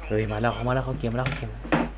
เฮ้ยมาแล้วเขามาแล้วเขาเกมมาแล้วเขาเกม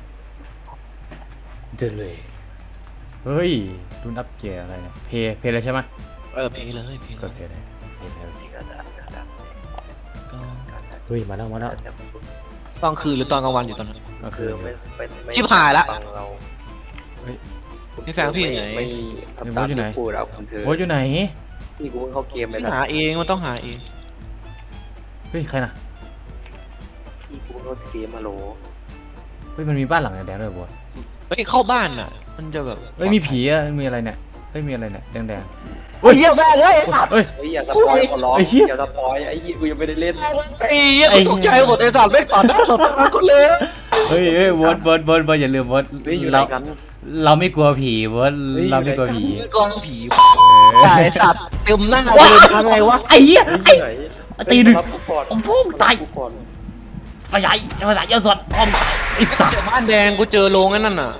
เจอเลยเฮ้ยรุ่นอัปเกรดอะไรเนี่ยเพย์เลยใช่ไหมเพลเลยเพลก็เลยเพย์เลยเพย์ก็จะก็เฮ้ยมาแล้วมาแล้วตอนคืนหรือตอนกลางวันอยู่ตอนนั้นก็คืคือ อไม่ชิบหายละฟังเราพี่แฟนพี่อยู่ไหนไม่ทำตามที่พูดเอาคุณเธอโอ้ยอยู่ไหนที่กูเพิ่งเข้าเกมไปไม่นะหาเองมันต้องหาเองเฮ้ยใครนะที่กูเพิ่งเข้าเกมมาโหลเฮ้ยมันมีบ้านหลังแดงๆด้วยบัวเฮ้ยเข้าบ้านอ่ะมันจะแบบเฮ้ยมีผีอะมีอะไรเนี่ยเฮ้ยมีอะไรเนี่ยแดงเฮ้ยเยี่ยมแม่เลยไอ้สัตว์ๆเฮ้ยเฮ้ยอย่าสปอยขอร้องไอ้เหี้ยอย่าสปอยไอ้ยี่กูยังไม่ได้เล่นไอ้เหี้ยกูตกใจหมดไอ้สัตว์ไม่ต่อหน้าต่อตาคนเลยเฮ้ยบอสอย่าลืมบอสเฮ้ยอยู่ไหนเรากันเราไม่กลัวผีบอสเฮ้ยเราไม่กลัวผีกองผีเออไอ้สัตว์เต็มหน้าเลยทำไงวะไอ้เหี้ยเฮ้ยไอ้อยู่ไหนตีหนึ่งรับกูก่อนโอ้โหตายรับกูก่อนไฟใหญ่ยอดสดพร้อมไอ้สัตเจว์อบ้านแดงกูเจอโรงนั่นน่ะ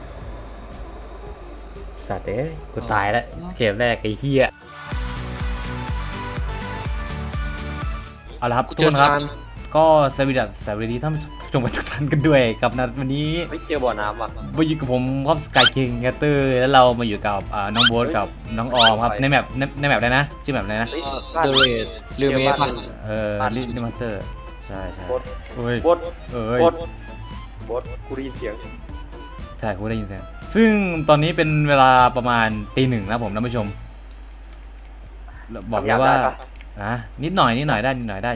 สัตว์เอ้ยกูตายแล้วเกมแรกไอ้เหี้ยเอาละครับกูทุกเจคอนครับซานก็สวัสดีท่านผู้ชมทุกท่านกันด้วยกับนัดวันนี้ไม่เจอบ่อน้ำว่ะมาอยู่กับผมครับสกายคิงแคตเตอร์แล้วเรามาอยู่กับน้องโบ๊ทกับน้องออมครับในแมปอะไรนะชื่อแมปอะไรนะเฮ้ยเดเรดเรือเมย์ป่ะลิมาสเตอร์ใช่บดเฮ้ยบดเอ้ยบดบดกูได้ยินเสียงใช่คุณได้ยินเสียงซึ่งตอนนี้เป็นเวลาประมาณตี 1นะผมท่านผู้ชมบอกเลยว่านะนิดหน่อยได้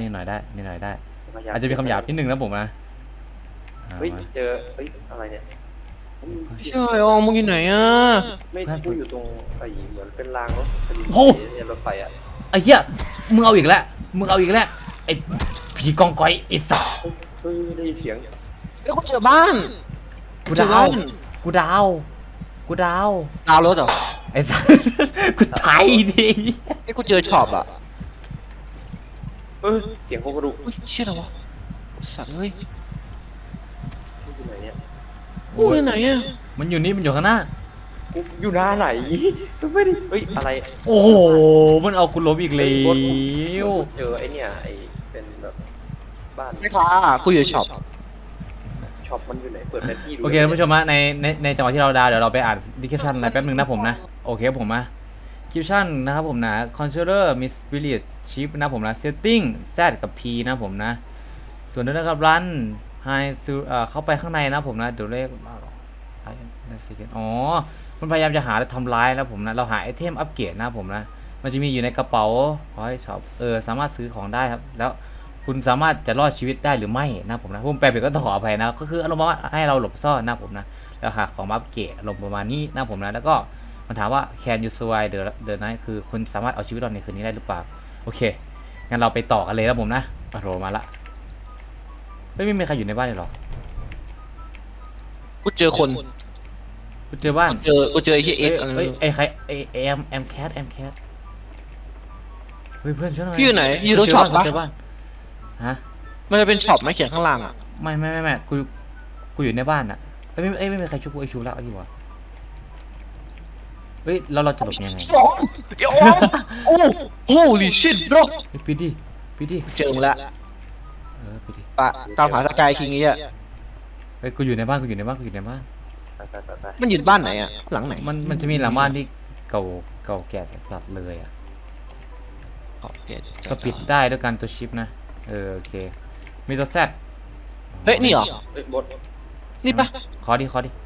อาจจะมีคำหยาบนิดนึงนะผมนะเฮ้ยเจอเฮ้ยอะไรเนี่ยใช่อ๋อมึงอยู่ไหนอ่ะไม่กูอยู่ตรงไอ้เหมือนเป็นรางรถเนี่ยรถไฟอ่ะไอ้เหี้ยมึงเอาอีกแล้วไอ้ผีกองกอยไอ้สัสเฮ้ยได้ยินเสียงเฮ้ยกูเจอบ้านกูดาวดาวรถเหรอไอ้สัสกูตายดิไอ้กูเจอช็อปอ่ะเสียงโคกระดูกอุ้ยเชี่ยอะไรวะสัตว์เฮ้ยอยู่ไหนเนี่ยกูอยู่ไหนอ่ะมันอยู่นี่มันอยู่ข้างหน้ากูอยู่หน้าไหนไม่ได้เฮ้ยอะไรโอ้โหมันเอากูล้มอีกแล้วเจอไอ้เนี่ยไอ้เป็นแบบบ้านไม่ค้ากูอยู่ช็อปช็อปมันอยู่ไหนเปิดแผนที่ดูโอเคท่านผู้ชมฮะในจังหวะที่เราดาวเดี๋ยวเราไปอ่านดีคริปชั่นอะไรแป๊บนึงนะผมนะโอเคผมนะคริปชั่นนะครับผมนะ controller miss spirit chip นะผมนะ setting z กับ p นะผมนะส่วนด้วยนะครับ run high เข้าไปข้างในนะผมนะเดี๋ยวเลขอ๋อมันพยายามจะหาและทำร้ายนะผมนะเราหาไอเทมอัปเกรดนะผมนะมันจะมีอยู่ในกระเป๋าขอให้ช็อปสามารถซื้อของได้ครับแล้วคุณสามารถจะรอดชีวิตได้หรือไม่นะผมนะผมแปลผิดก็ต้องขออภัยนะก็คืออารมณ์ว่าให้เราหลบซ่อนนะผมนะแล้วหาของมาอัปเกรดอารมณ์ประมาณนี้นะผมนะแล้วก็มันถามว่า can you survive the night คือคุณสามารถเอาชีวิตรอดในคืนนี้ได้หรือเปล่าโอเคงั้นเราไปต่อกันเลยนะผมนะโรมาละไม่มีใครอยู่ในบ้านเลยหรอกูเจอคนกูเจอบ้านกูเจอไอ้ที่เอ็กไอ้ใครแอมแคทเฮ้ยเพื่อนช่วยหน่อยพี่อยู่ไหนอยู่ตรงช็อปปะเจอบ้านฮะมันจะเป็นช็อปไหมเขียนข้างล่างอ่ะไม่กูอยู่ในบ้านอ่ะไม่มีใครช่วยกูไอ้ชูแล้วเอาดีกว่าเฮ้ยเราจะหลบยังไงเดี๋ยวโอ้ holy shit bro ปิดดิเจอมึงละปิดดิปะตามหาสกายคิงนี้อ่ะเฮ้ยกูอยู่ในบ้านไปมันอยู่บ้านไหนอ่ะหลังไหนมันจะมีหลังบ้านที่เก่าแก่สัสเลยอ่ะก็ปิดได้ด้วยการตัวชิปนะโอเคมีตัวแซดเฮ้ยนี่เหรอเฮ้ยบดนี่ปะขอดิ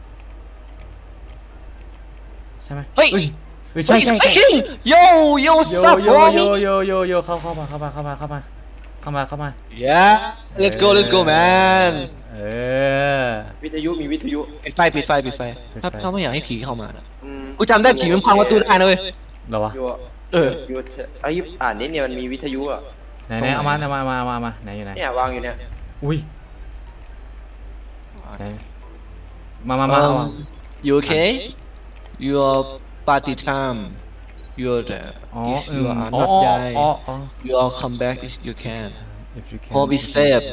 ใช่ไหมเฮ้ยใช่โยซับโโยเข้ามา yeah let's go man วิทยุมีวิทยุปิดไฟถ้าไม่อยากให้ผีเข้ามานะกูจำได้ผีมันพังประตูได้นะเว้ยเหรอวะอยู่อยู่ไอ้อ่านนี่เนี่ยมันมีวิทยุอ่ะไหนเอามาไหนอยู่ไหนเนี่ยวางอยู่เนี่ยอุ้ยมา you okay your party time you're there อ๋อ if you are not die you all come back if you can home is safe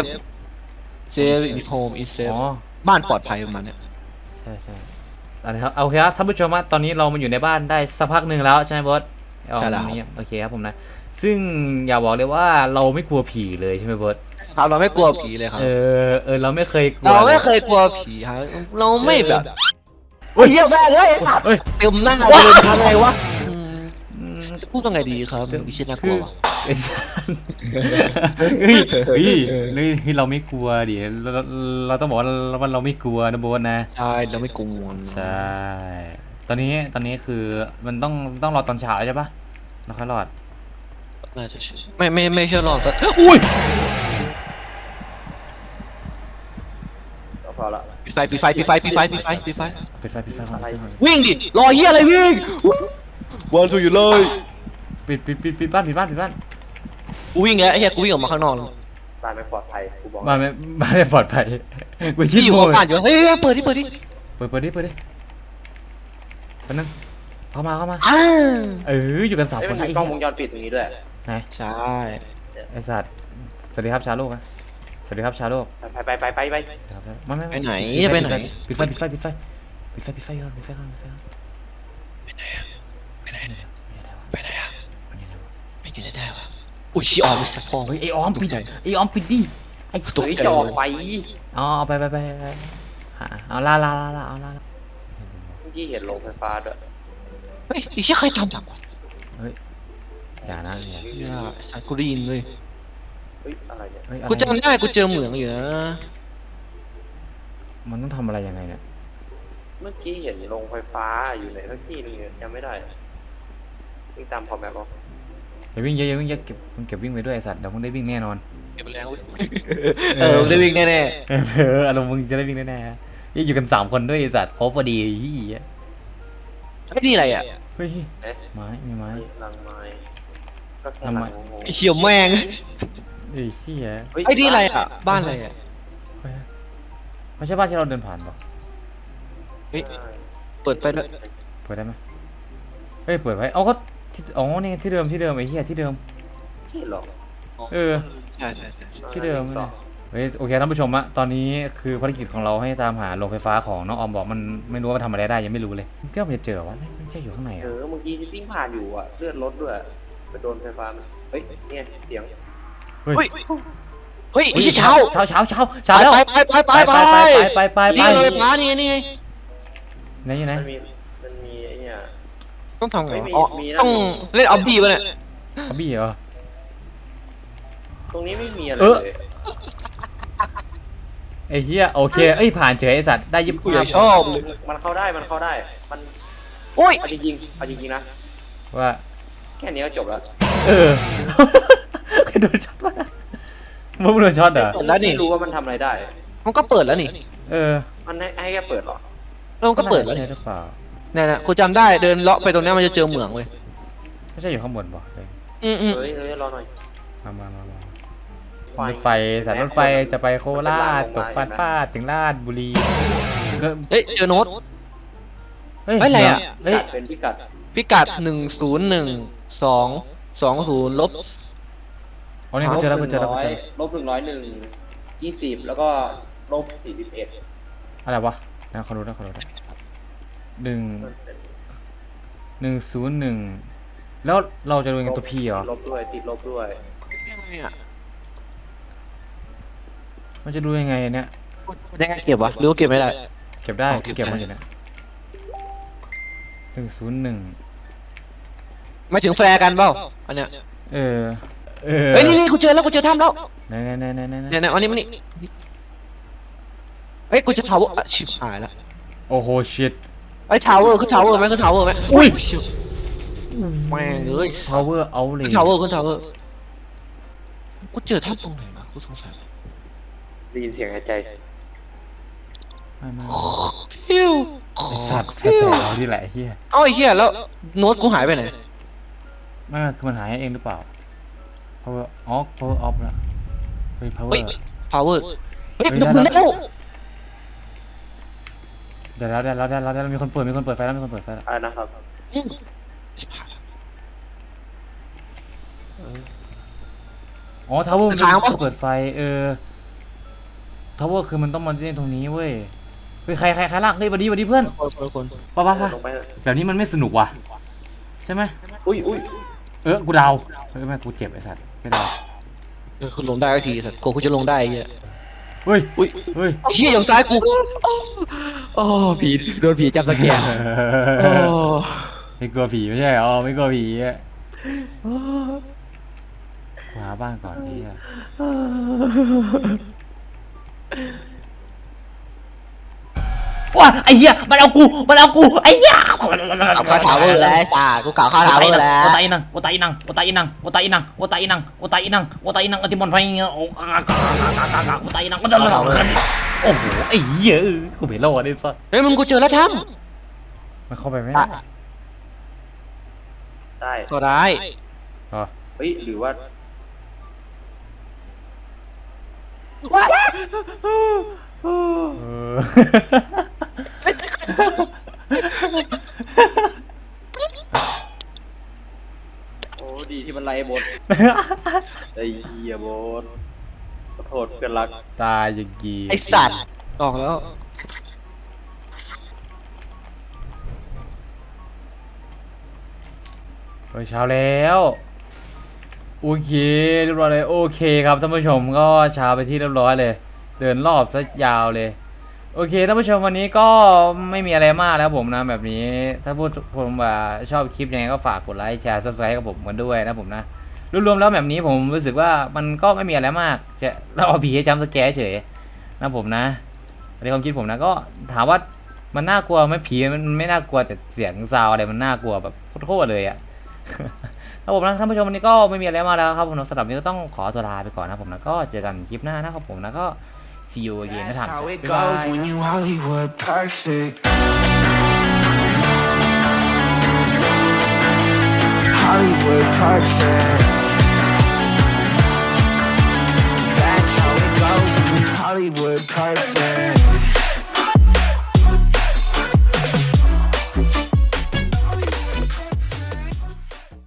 in home is safe บ้านปลอดภัยประมาณเนี้ยใช่อะไรครับโอเคครับท่านผู้ชมตอนนี้เรามาอยู่ในบ้านได้สักพักหนึ่งแล้วใช่ไหมบอสโอเคครับผมนะซึ่งอย่าบอกเลยว่าเราไม่กลัวผีเลยใช่ไหมบอสครับเราไม่กลัวผีเลยครับเราไม่เคยกลัวเราไม่ลเคยกลัวผีครับเราไม่แบบเฮ้ยเยี่ยมแม่เลยครับเฮ้ยเต็มหน้าเลยทำไงวะจะพูดยังไงดีครับมีชิ้นน่ากลัววะไอ้สัสเฮ้ยเราไม่กลัวดิเราต้องบอกว่าเราไม่กลัวนะโบ๊ทนะใช่เราไม่กลัวใช่ ตอนนี้คือมันต้องรอตอนเช้าใช่ปะเราค่อยรอดน่าจะใช่ไม่เชื่อหรอกแต่อุ้ยก็พอละปิดไฟปิดไฟก่อนอะไรวิ่งดิรอเฮียอะไรวิ่งวันถูกอยู่เลยปิดบ้านกูวิ่งแล้วไอ้เฮียกูวิ่งออกมาข้างนอกแล้วบ้านไม่ปลอดภัยกูบอกบ้านไม่ปลอดภัยกูคิดที่อยู่โมกับบ้านอยู่เฮ้ยเปิดดิเปิดดิแป๊บนึงเข้ามาอ้าอยู่กันสามเอ้ยคมัน นมีกล้องวงจรปิดตรงนี้ด้วยไหนใช่ไอสัตว์สวัสดีครับชาวโลกนะสวัสดีครับชาวโลกไปไม่ไปไหนจะไปไหนปิดไฟก่อนปิดไฟก่อนไปไหนอะไม่กินได้วะอุ้ยชิออมสักพอเฮ้ยไอออมปิดตกใจไอออมปิดดิไอตกเฮ้ยใจจะออกไปอ๋อเอาไปเอาลาเมื่อกี้เห็นโรงไฟฟ้าด้วยเฮ้ยไอ้เชี่ยใครทำแบบวะอย่านะเนี่ยสัตว์กูได้ยินเลยเฮ้ยอะไรเนี่ยเฮ้ยกูจำได้กูเจอเหมืองอยู่นะมันต้องทำอะไรยังไงเนี่ยเมื่อกี้เห็นโรงไฟฟ้าอยู่ไหนสักที่นึงเนี่ยจำไม่ได้วิ่งตามพอแมปบอกอย่าวิ่งเยอะเก็บวิ่งไปด้วยไอสัตว์เดี๋ยวมึงได้วิ่งแน่นอนเก็บแรงได้วิ่งแน่อารมณ์มึงจะได้วิ่งแน่ๆอยู่กัน3 คนด้วยไอสัตว์ครบพอดีเฮียๆไอ้นี่อะไรอ่ะเฮ้ยเอ๊ะไม้มีไม้ลังไม้ก็แค่ลังลัไม้งงงไอ้เขียวแมงเอ้ยเชี่ยเฮ้ยไอ้นี่อะไรอ่ะบ้านอะไรอ่ะไม่ใช่บ้านที่เราเดินผ่านปะเฮ้ยเปิดไปด้วยเปิดได้ไหมเฮ้ยเปิดไว้เอาก็นี่ที่เดิมไอ้เหี้ยที่เดิมที่หรอเออใช่ที่เดิมเลยเฮ้ยโอเคท่านผู้ชมอะตอนนี้คือภารกิจของเราให้ตามหาโรงไฟฟ้าของน้องออมบอกมันไม่รู้ว่ามันทำอะไรได้ยังไม่รู้เลยก็มันจะเจอวะไม่ใช่อยู่ข้างในเออะอเมื่อกี้ที่วิ่งผ่านอยู่อ่ะเลือดรถด้วยไปโดนไฟฟ้ามันเฮ้ยเนี่ยเสียงเฮ้ยเฮ้ยไอ้เช้าเช้าแล้วไปนี่เลยป้านี่ไงไหนอยู่ไหนมันมีไอ้เนี่ยต้องทำไงไม่มีอ๋อมีนะต้องเล่นออบบี้ป่ะเนี่ยเขาบี้เหรอตรงนี้ไม่มีอะไรเออเลยไอ้เหี้ยโอเคเอ้ยผ่านเฉยไอ้สัตว์ได้ยิบกูอยากชอบเลยมันเข้าได้มันโอ้ยเอาจริงๆนะว่าแค่นี้ก็จบแล้วเออใครโดนช็อตวะมึงโดนช็อตเหรอไม่รู้ว่ามันทำอะไรได้มันก็เปิดแล้วนี่เออมันให้แค่เปิดหรอมันก็เปิดแล้วใช่นี่หรือเปล่าเนี่ยกูจำได้เดินเลาะไปตรงนี้มันจะเจอเหมืองเว้ยไม่ใช่อยู่ข้างบนป่ะอืมเฮ้ยรอหน่อยมารถไฟสายรถไฟจะไปโคราชตกป้าถึงราชบุรีก็เฮ้ยเจอโน้ตเฮ้ยเฮ้ยอะไรอะเฮ้ยเป็นพิกัดพิกัด10120ลบอ๋อนี่กูเจอแล้วลบ101 20แล้วก็ลบ41 อะไรวะนะขอรู้นะ101แล้วเราจะดูยังไงตัวพีเหรอลบด้วยติดลบด้วยยังไงอ่ะมันจะดูยังไงเนี่ยยังไงเก็บวะหรือว่าเก็บไม่ได้เก็บได้อ๋อเก็บเก็บมันได้อยู่เนี่ย101 ไม่ถึงแฟร์กันเปล่าอันเนี้ยเออเฮ้ยนี่กูเจอแล้วกูเจอถ้ำแล้วไหนเนี่ยอันนี้มันนี่เฮ้ยกูจะทาวเวอร์ชิบหายแล้วโอ้โหชิตไอ้ทาวเวอร์ขึ้นทาวเวอร์ไหมขึ้นทาวเวอร์ไหมอุ้ยแม่งเอ้ย power out เลยขึ้นทาวเวอร์กูเจอถ้ำตรงไหนมากูสงสัยได้ยินเสียงหายใจไม่พิวไอสัตว์แท้ๆที่แหละเฮียเอ้าไอ้เหี้ยแล้วโน้ตกูหายไปไหนไม่คือมันหายเองหรือเปล่า power off นะเฮ้ย power เฮ้ยทาวเวอร์เฮ้ยเฮ้ยแล้วได้แล้วมีคนเปิดไฟแล้วอะไรนะครับชิบหายแล้วอ๋อ tower มันค้างปะจะเปิดไฟtower คือมันต้องมาเล่นตรงนี้เว้ยเฮ้ยใครลากเฮ้ยบัดดี้เพื่อนคนป่ะลงไปแบบนี้มันไม่สนุกว่ะใช่ไหมอุ้ยกูดาวเฮ้ยแม่กูเจ็บไอสัตว์ไม่ดาวคุณลงได้ก็ทีสัตว์กูจะลงได้ไอ้เหี้ยเฮ้ยอุ้ยเฮ้ยไอ้เหี้ยอย่างซ้ายกูโอ้ผีโดนผีจับสแกนโอ้ไม่กลัวผีไม่ใช่เหรอไม่กลัวผีอะหาบ้านก่อนนี่อะว้าไอ้เหี้ยมันเอากูไอ้เหี้ยเอาข้าวถาวเวอร์แล้วไอ้สัตว์กูเก่าข้าวถาวเวอร์แล้วโอตาอินังโอตาอินังโอตาอินังโอตาอินังโอตาอินังโอตาอินังโอตาอินังอติมอนไฟเงี้ยโอ้โอตาอินังโอ้โหไอ้เหี้ยกูไม่รอดเลยสัสเฮ้ยมึงกูเจอแล้วทั้มมันเข้าไปไม่ได้ได้ก็ได้อ๋อเฮ้ยหรือว่าเออโอ้ดีที่มันไล่บดไอ้เหี้ยบดขอโทษเพื่อนรักตายอย่างกีไอสัตว์ออกแล้วโอ้ยเช้าแล้วโอเคเรียบร้อยเลยโอเคครับท่านผู้ชมก็เช้าไปที่เรียบร้อยเลย เดินรอบซะยาวเลยโอเคท่านผู้ชมวันนี้ก็ไม่มีอะไรมากแล้วผมนะแบบนี้ถ้าพูดผมว่าชอบคลิปยังไงก็ฝากกดไลค์แชร์ซับสไครต์กับผมกันด้วยนะผมนะรวมๆแล้วแบบนี้ผมรู้สึกว่ามันก็ไม่มีอะไรมากจะเราเอาผีให้จำสแกร์เฉยนะผมนะในความคิดผมนะก็ถามว่ามันน่ากลัวไหมผีมันไม่น่ากลัวแต่เสียงซาวอะไรมันน่ากลัวแบบโคตรเลยอะ ครับผมนะท่านผู้ชมวันนี้ก็ไม่มีอะไรมากแล้วครับผมสำหรับวันนี้ก็ต้องขอตัวลาไปก่อนนะผมนะก็เจอกันคลิปหน้านะครับผมนะก็ see you again นะ That's ท่าน how it บ๊ายบา goes ย when you Hollywood perfect. Hollywood perfect. That's how it goes when you Hollywood perfect.